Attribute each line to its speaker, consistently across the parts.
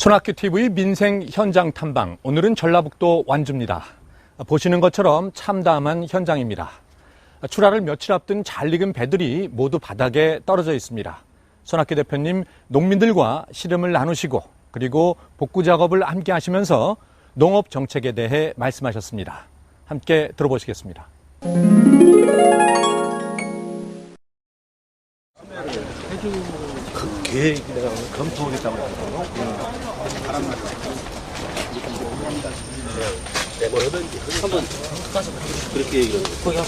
Speaker 1: 손학규TV 민생 현장 탐방, 오늘은 전라북도 완주입니다. 보시는 것처럼 참담한 현장입니다. 출하를 며칠 앞둔 잘 익은 배들이 모두 바닥에 떨어져 있습니다. 손학규 대표님, 농민들과 씨름을 나누시고 그리고 복구 작업을 함께 하시면서 농업 정책에 대해 말씀하셨습니다. 함께 들어보시겠습니다.
Speaker 2: 그 계획 내가 검토하겠다고 그랬거든요. 뭐든지 한번 가서 그렇게 얘기를 해요.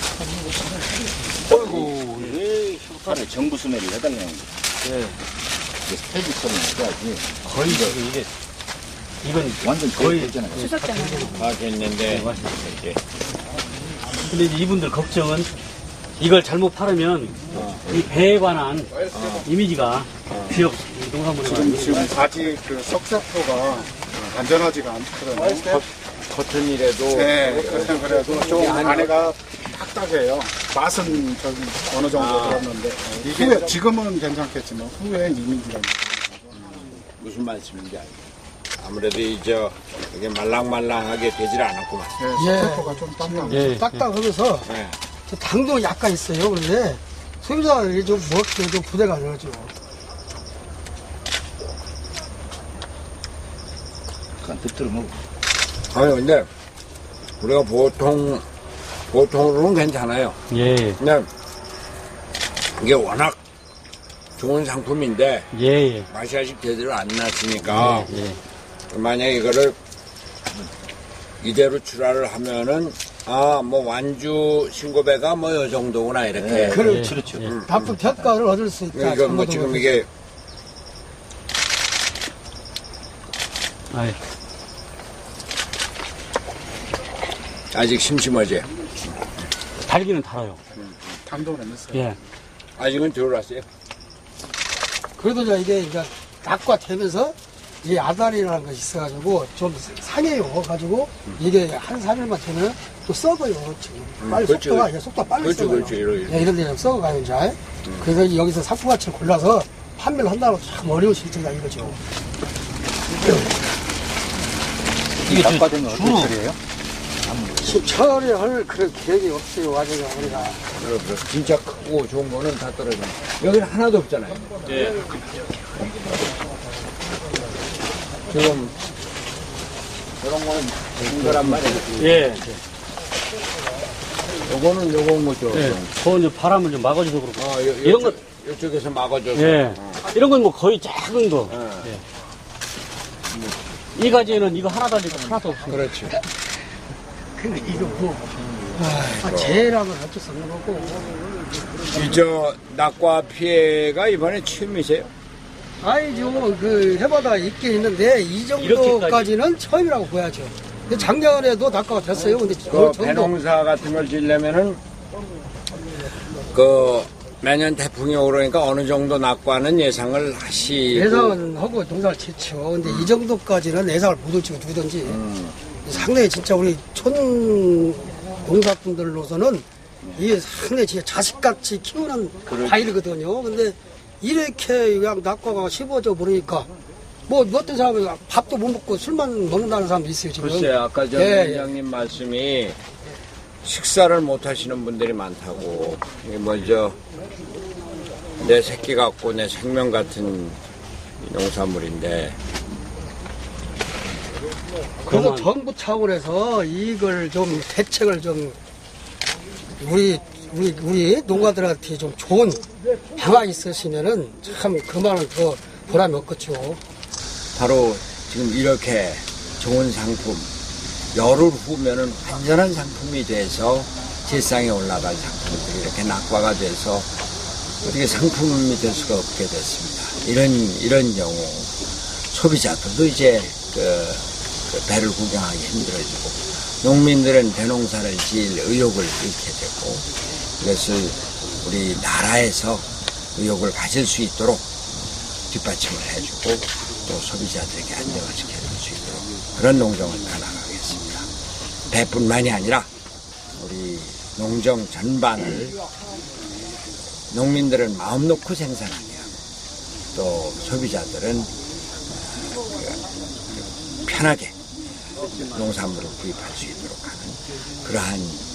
Speaker 3: 어이구, 왜 휴판에 정부 수매를 해달라는 거지?
Speaker 2: 네.
Speaker 3: 스테이지처럼 해야지.
Speaker 2: 거의 지금 이게 이건
Speaker 3: 완전
Speaker 2: 거의
Speaker 3: 됐잖아요.
Speaker 4: 다 됐는데 이제
Speaker 2: 근데 이제 이분들 걱정은 이걸 잘못 팔으면 이 배에 관한 이미지가 지역 농산물에
Speaker 5: 지금 아직 그 석사포가 안전하지가 않거든요.
Speaker 4: 겉은 이래도
Speaker 5: 네, 그래도 좀 안에가 딱딱해요. 맛은 저기 어느 정도 들었는데 후에 지금은 괜찮겠지만 후에 이미지가
Speaker 4: 무슨 말씀인지 알죠. 아무래도 이제 이게 말랑말랑하게 되질 않았구만.
Speaker 5: 석사포가 좀 딱딱해요.
Speaker 2: 예.
Speaker 6: 딱딱하면서
Speaker 4: 네.
Speaker 6: 당도 약간 있어요. 그런데 소비자들이 좀 먹기에 좀 부담가 되죠.
Speaker 3: 그냥 득들어 먹어.
Speaker 4: 아니 근데 우리가 보통으로는 괜찮아요.
Speaker 2: 예.
Speaker 4: 근데 이게 워낙 좋은 상품인데
Speaker 2: 예.
Speaker 4: 맛이 아직 제대로 안 났으니까
Speaker 2: 예.
Speaker 4: 만약에 이거를 이대로 출하를 하면은 뭐 완주 신고배가 뭐 요 정도구나 이렇게.
Speaker 6: 그렇죠.
Speaker 2: 그렇죠.
Speaker 6: 바쁜 평가를 얻을 수 있다.
Speaker 4: 이거 뭐 지금 이게
Speaker 2: 아이,
Speaker 4: 아직 심심하지.
Speaker 2: 달기는 달아요.
Speaker 5: 당도는 있어요.
Speaker 2: 예.
Speaker 4: 아직은 들어왔어요.
Speaker 6: 그래도 이게 낙과 되면서 이 아다리라는 것이 있어가지고 좀 상해요. 가지고 이게 한 3일만 되면 또 썩어요. 지금. 빨리
Speaker 4: 그렇지,
Speaker 6: 속도가 빨리
Speaker 4: 그렇지,
Speaker 6: 썩어요.
Speaker 4: 그렇지, 이러지.
Speaker 6: 예, 이런 데 좀 썩어가요, 이제. 그래서 여기서 상품 가치를 골라서 판매를 한다고 참 어려운 실정이다 이거죠.
Speaker 2: 이게
Speaker 3: 낙과되면 어떻게 처리해요?
Speaker 6: 지금 처리할 그런 계획이 없어요. 아직 우리가.
Speaker 4: 그래. 진짜 크고 좋은 거는 다 떨어져. 여기는 하나도 없잖아요.
Speaker 2: 예.
Speaker 4: 지금 저런 거는 좋은 거란 말이에요.
Speaker 2: 예.
Speaker 4: 요거는 뭐죠?
Speaker 2: 예. 그건 이제 바람을 좀 막아줘서 그렇고. 이런 건,
Speaker 4: 이쪽에서 막아줘서.
Speaker 2: 예. 이런 건 뭐 거의 작은 거.
Speaker 4: 예.
Speaker 2: 이 가지에는 이거 하나 달리고 하나도 없어요.
Speaker 4: 그렇지.
Speaker 6: 근데 이거 재해라면 어쩔 수 없는 거고.
Speaker 4: 저 낙과 피해가 이번에 처음이세요?
Speaker 6: 아니죠. 그 해마다 있긴 있는데 이 정도까지는 처음이라고 보야죠. 근데 작년에도 낙과가 됐어요. 근데
Speaker 4: 그 배농사 같은 걸 지려면은 매년 태풍이 오르니까 어느 정도 낙과는 예상을 하시고.
Speaker 6: 예상은 하고 농사를 짓죠. 근데 이 정도까지는 예상을 못 할지고 누구든지 상당히 진짜 우리 촌 농사꾼들로서는 이게 상당히 진짜 자식같이 키우는 과일이거든요. 근데 이렇게 그냥 낙과가 씹어져 버리니까 뭐 어떤 사람은 밥도 못 먹고 술만 먹는다는 사람도 있어요 지금.
Speaker 4: 글쎄 아까 전
Speaker 6: 예,
Speaker 4: 위원장님 말씀이 식사를 못 하시는 분들이 많다고. 이게 먼저 내 새끼 같고 내 생명 같은 이 농산물인데.
Speaker 6: 그래서 정부 차원에서 이걸 좀 대책을 좀 우리 농가들한테 좀 좋은 방안이 있으시면은 참 그만은 더 보람이 없겠죠.
Speaker 4: 바로 지금 이렇게 좋은 상품, 열흘 후면은 완전한 상품이 돼서 세상에 올라갈 상품들이 이렇게 낙과가 돼서 어떻게 상품이 될 수가 없게 됐습니다. 이런 경우 소비자들도 이제 그 배를 구경하기 힘들어지고 농민들은 대농사를 지을 의욕을 잃게 되고 이것을 우리 나라에서 의욕을 가질 수 있도록 뒷받침을 해주고 또 소비자들에게 안정을 시켜줄 수 있도록 그런 농정을 펴나가겠습니다. 배뿐만이 아니라 우리 농정 전반을 농민들은 마음 놓고 생산하게 하고 또 소비자들은 편하게 농산물을 구입할 수 있도록 하는 그러한